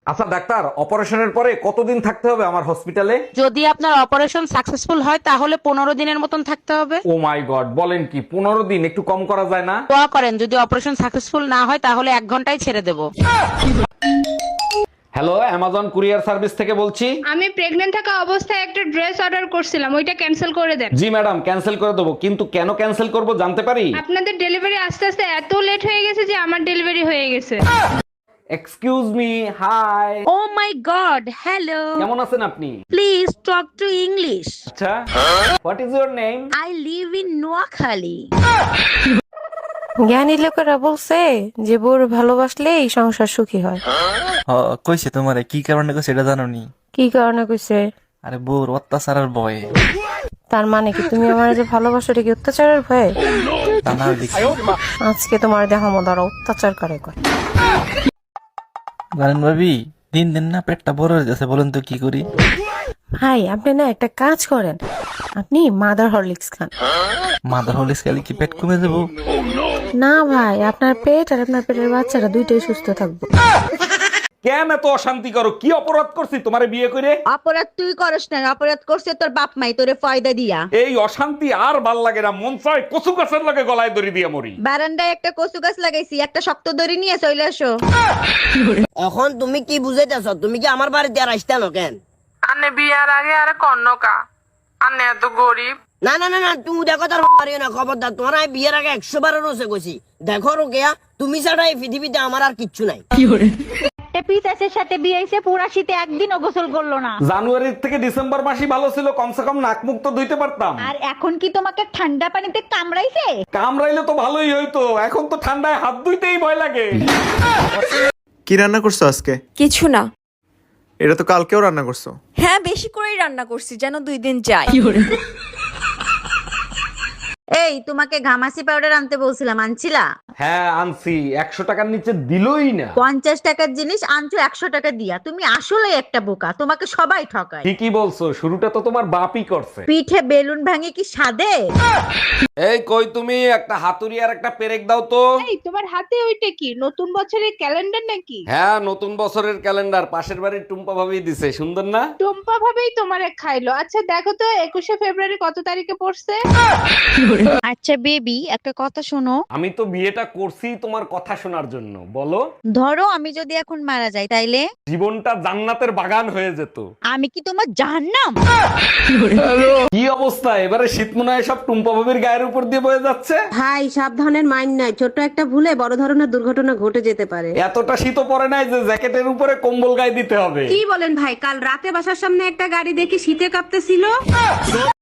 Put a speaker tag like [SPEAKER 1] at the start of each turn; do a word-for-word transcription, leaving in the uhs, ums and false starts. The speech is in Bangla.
[SPEAKER 1] আচ্ছা ডাক্তার, অপারেশনের পরে কতদিন থাকতে হবে আমার হসপিটালে?
[SPEAKER 2] যদি আপনার অপারেশন সাকসেসফুল হয় তাহলে পনেরো দিনের মতন থাকতে হবে।
[SPEAKER 1] ও মাই গড, বলেন কি? পনেরো দিন? একটু কম করা যায় না?
[SPEAKER 2] দোয়া করেন যদি অপারেশন সাকসেসফুল না হয় তাহলে এক ঘন্টায় ছেড়ে দেবো।
[SPEAKER 1] হ্যালো, অ্যামাজন কুরিয়ার সার্ভিস থেকে বলছি।
[SPEAKER 3] আমি প্রেগন্যান্ট থাকা অবস্থায় একটা ড্রেস অর্ডার করছিলাম, ওইটা ক্যান্সেল করে দেন।
[SPEAKER 1] জি ম্যাডাম, ক্যান্সেল করে দেবো, কিন্তু কেন ক্যান্সেল করব জানতে পারি?
[SPEAKER 3] আপনাদের ডেলিভারি আস্তে আস্তে এত লেট হয়ে গেছে যে আমার ডেলিভারি হয়ে গেছে।
[SPEAKER 1] Excuse me, hi.
[SPEAKER 2] Oh my god, hello.
[SPEAKER 1] কেমন আছেন আপনি?
[SPEAKER 2] Please talk to English.
[SPEAKER 1] আচ্ছা, what is your name?
[SPEAKER 2] I live in Noakhali.
[SPEAKER 4] জ্ঞানী লোকেরা বলছে যে বউর ভালোবাসলে এই সংসার সুখী হয়।
[SPEAKER 5] হ কইছে তোমারে কি কারণে কইছে এটা জানো নি?
[SPEAKER 4] কি কারণে কইছে?
[SPEAKER 5] আরে বউর অত্যাচারের ভয়ে।
[SPEAKER 4] তার মানে কি তুমি আমার যে ভালোবাসো এটা কি অত্যাচারের ভয়ে?
[SPEAKER 5] তা না দেখি
[SPEAKER 4] আজকে তোমার দেহ মদারা অত্যাচার করে কয়।
[SPEAKER 5] জানেন ভাবি, দিন দিন না পেটটা বড় হয়ে যাচ্ছে, বলেন তো কি করি?
[SPEAKER 4] ভাই আপনি না একটা কাজ করেন, আপনি মাদার হরলিক্স খান।
[SPEAKER 5] মাদার হলিস খেলে কি পেট কমে যাবো?
[SPEAKER 4] না ভাই, আপনার পেট আর আপনার পেটের বাচ্চারা দুইটাই সুস্থ থাকবো।
[SPEAKER 1] কেন এত অশান্তি করো? কি অপরাধ করছি তোমারে বিয়ে করে?
[SPEAKER 6] অপরাধ তুই করস না, অপরাধ করছে তোর বাপ মাই তোরে ফয়দা দিয়া।
[SPEAKER 1] এই অশান্তি আর ভাল লাগে না, মন চায় কচু গাছের লাগে গলায় দড়ি দিয়ে মরি।
[SPEAKER 6] বারান্দায় একটা কচু গাছ লাগাইছি, একটা শক্ত দড়ি নিয়ে চলে আসো।
[SPEAKER 7] এখন তুমি কি বুঝাইতেছ? তুমি কি আমার বাড়িতে আর আসতে না কেন?
[SPEAKER 8] আনে বিয়ার আগে আরে কন্যকা আনে এত গরিব।
[SPEAKER 7] না না না না, তুমি দেখো তার পারিও না, খবরদার। তোমার আমি বিয়ের আগে একশো বারো রোসে গেছি। দেখো রোকেয়া, তুমি ছাড়া এই পৃথিবীতে আমার আর কিচ্ছু নাই।
[SPEAKER 6] একটা পিসাসের সাথে বিয়ে হইছে, পুরা শীতে একদিনও গোসল করলো না।
[SPEAKER 1] জানুয়ারি থেকে ডিসেম্বর মাসই ভালো ছিল, কমসে কম নাক মুখ তো ধুইতে পারতাম।
[SPEAKER 6] আর এখন কি তোমাকে ঠান্ডা পানিতে কামড়াইছে?
[SPEAKER 1] কামড়াইলে তো ভালোই হইতো, এখন তো ঠান্ডায় হাত ধুইতেই ভয় লাগে।
[SPEAKER 9] কি রান্না করছো আজকে?
[SPEAKER 10] কিছু না।
[SPEAKER 9] এটা তো কালকেও রান্না করছো।
[SPEAKER 10] হ্যাঁ, বেশি করেই রান্না করছি যেন দুই দিন যায়।
[SPEAKER 6] এই তোমাকে ঘামাসি পাউডার আনতে বলছিলাম, আনছিলা?
[SPEAKER 1] হ্যাঁ আনছি, একশো টাকার নিচে দিলই না।
[SPEAKER 6] পঞ্চাশ টাকার জিনিস আনছো একশো টাকা দিয়া। তুমি আসলে একটা বোকা, তোমাকে সবাই ঠকায়।
[SPEAKER 1] ঠিকই বলছো, শুরুটা তো তোমার বাপই করছে।
[SPEAKER 6] পিঠে বেলুন ভাঙে কি সাদে?
[SPEAKER 1] এই কই তুমি, একটা হাতুড়ি আর একটা পেরেক দাও তো।
[SPEAKER 3] এই তোমার হাতে ওইটা কি, নতুন বছরের ক্যালেন্ডার নাকি?
[SPEAKER 1] হ্যাঁ, নতুন বছরের ক্যালেন্ডার, পাশের বাড়ির টুম্পা ভাবি দিছে, সুন্দর না?
[SPEAKER 3] টম্পা ভাবেই তোমারে খাইলো। আচ্ছা দেখো তো একুশে ফেব্রুয়ারি কত তারিখে পড়ছে?
[SPEAKER 6] আচ্ছা বেবি, একটা কথা শোনো।
[SPEAKER 1] আমি তো বিয়েটা করছি তোমার কথা শোনার জন্য, বলো।
[SPEAKER 6] ধরো আমি যদি এখন মারা যাই তাইলে
[SPEAKER 1] জীবনটা জান্নাতের বাগান হয়ে যেত।
[SPEAKER 6] আমি কি তোমার জাহান্নাম?
[SPEAKER 1] কি অবস্থা, এবারে শীত মনে হয় সব টুম্পা ভাবির গায়ের উপর দিয়ে বয়ে যাচ্ছে।
[SPEAKER 11] ভাই সাবধানের মাইন্ড নাই, ছোট্ট একটা ভুলে বড় ধরনের দুর্ঘটনা ঘটে যেতে পারে।
[SPEAKER 1] এতটা শীতও পড়ে নাই যে জ্যাকেটের উপরে কম্বল গায়ে দিতে হবে।
[SPEAKER 11] কি বলেন ভাই, কাল রাতে বাসার সামনে একটা গাড়ি দেখি শীতে কাঁপতেছিল।